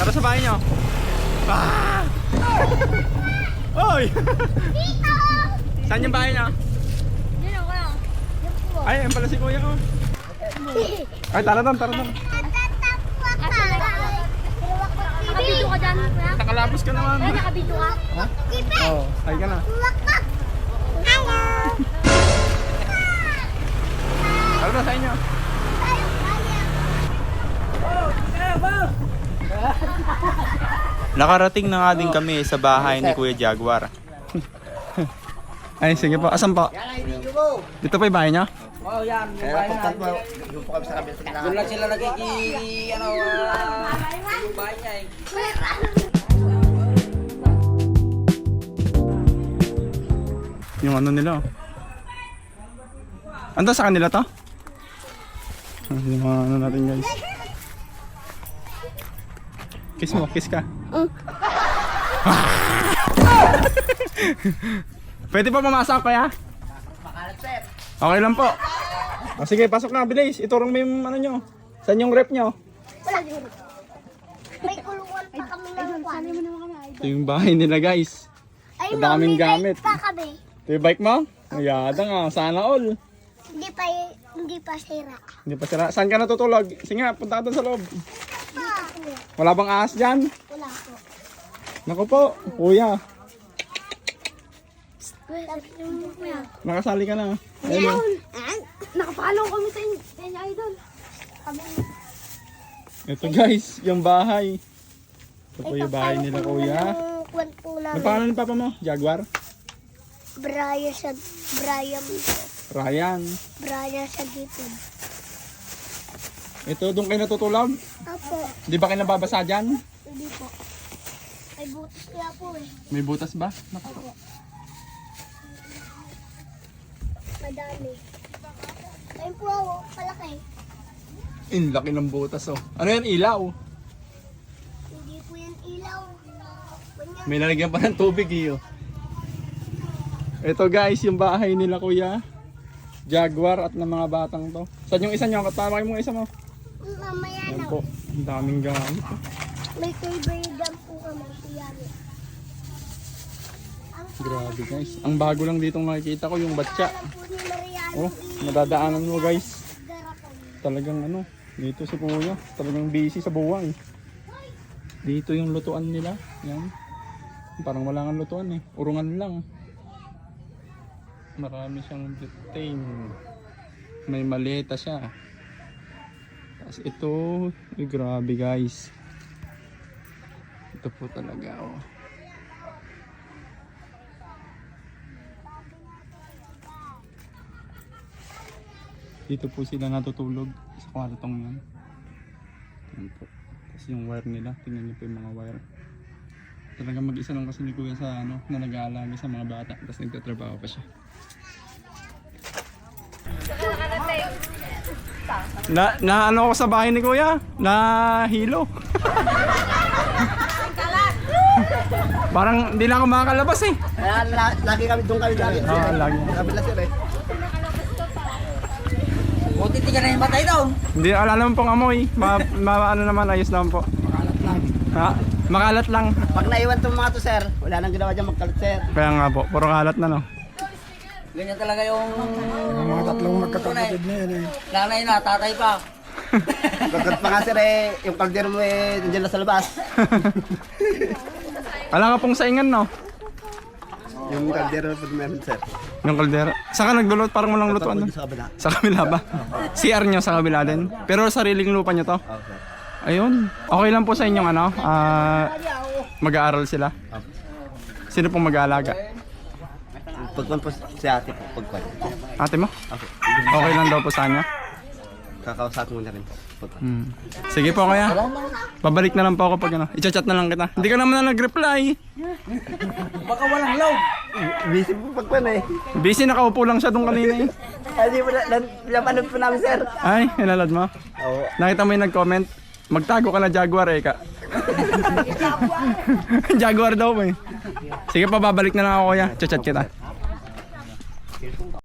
Tara sa bahay nyo. Ah! Oy! Dito! Saan yung bahay nyo? Dito ko lang. Ay, ayun pala si kuya ko. Ay, tara doon, tara doon. Nakabito ka dyan, kuya? Nakalabos ka naman. Kuya, nakabito ka? Ha? Oo, ay ka na. Hello! Tara na sa inyo. Nakarating na nga din kami sa bahay ni Kuya Jaguar. Ay, sige po. Asan po? Dito pa yung bahay niya? Oh, yan. Yung bahay na. Doon lang sila yung bahay niya eh. Yung ano nila. Ando sa kanila to? Yung mga ano natin guys. Kiss mo, kiss ka. Pwede pa pumasok kaya? Okay lang po. O, sige, pasok na, bilis. Iturong mo yung ano nyo. Saan yung rep nyo? Wala din. May kulungan pa kami ng kwan. Ito yung bahay nila guys. Ay, Ang daming may gamit. bike pa kami. Ito yung bike mo? Ayada nga, sana all. Hindi pa sira. Hindi pa sila. Saan ka natutulog? Sige nga, punta ka doon sa loob. Dito. Wala bang ahas dyan? Wala po. Naku po, kuya. Kuya. Nakasali ka na. Ayun. Nakapalaw kami sa inyo, idol. Kami. Ito guys, yung bahay. Ito po yung bahay nila kuya. Kwan po Ano namin. pangalan ni papa mo? Jaguar? Brian Ryan. sa gipon. Ito, doon kayo natutulog? Apo. Di ba kayo nababasa dyan? Hindi po. Ay, butas kaya po eh. May butas ba? Naku. Apo. Madami. Ayun po ako, palaki. In, laki ng butas oh. Ano yan, ilaw? Hindi po yan ilaw. Ganyan. May lalagyan pa ng tubig iyo. Ito guys, yung bahay nila kuya. Jaguar at ng mga batang to. Saan yung isa nyo? Katawagin mo yung isa mo. Mamaya Yan na. po. Ang daming gamit. May favorite jam po kami. Yan. Grabe guys. Ang bago lang dito nakikita ko yung batya. Alam po ni Mariano. Oh, nadadaanan mo guys. Garapon. Talagang ano, dito si kuya. Talagang busy sa buhay. Dito yung lutuan nila. Yan. Parang wala nga lutuan eh. Urungan lang. Marami siyang butane. May maleta siya. Tapos ito, grabe guys. Ito po talaga oh. Dito po sila natutulog sa kwartong yan. Yan po. Tapos yung wire nila, tingnan niyo po yung mga wire. Talagang mag-isa lang kasi ni kuya sa ano, na nag-aalaga sa mga bata. Tapos nagtatrabaho pa siya. Na ano ako sa bahay ni kuya? Na hilo. Parang hindi na ako makakalabas eh. Lagi kami doon kami lagi. Oo, lagi. Kabila sir eh. Buti di ka na yung batay daw. Hindi, wala naman pong amoy. Ano naman, ayos naman po. Ha? Makalat lang. Pag naiwan itong mga to sir, wala nang ginawa dyan magkalat sir. Kaya nga po, puro kalat na no. Ganyan talaga yung Mga tatlong magkakapatid na yan eh. nanay na, tatay pa. Pagkat pa nga sir eh, yung kaldero mo eh, nandiyan na sa labas. Wala ka pong saingan no? Yung kaldero po meron sir. Yung kaldera. Saan ka naglulot? Parang walang lutuan doon. Sa kabila. Sa kabila ba? CR nyo sa kabila din? Pero sariling lupa nyo to? Okay. Ayun. Okay lang po sa inyong ano? Mag-aaral sila? Sino pong mag-aalaga? Pagkuhan po si ate po, pagkuhan. Ate mo? Okay. Okay lang daw po sa kanya? Kakausap mo na rin po. Hmm. Sige po kaya. Babalik na lang po ako pag ano. I-chat na lang kita. Hindi ka naman na nag-reply. Baka walang load. Busy po pagkuhan eh. Busy, nakaupo lang siya doon kanina eh. Hindi po napanood po namin sir. Ay, hinalad mo? Oo. Nakita mo yung nag-comment? Magtago ka na Jaguar eh ka. Jaguar daw mo eh. Sige pa, babalik na lang ako kuya. Chat kita.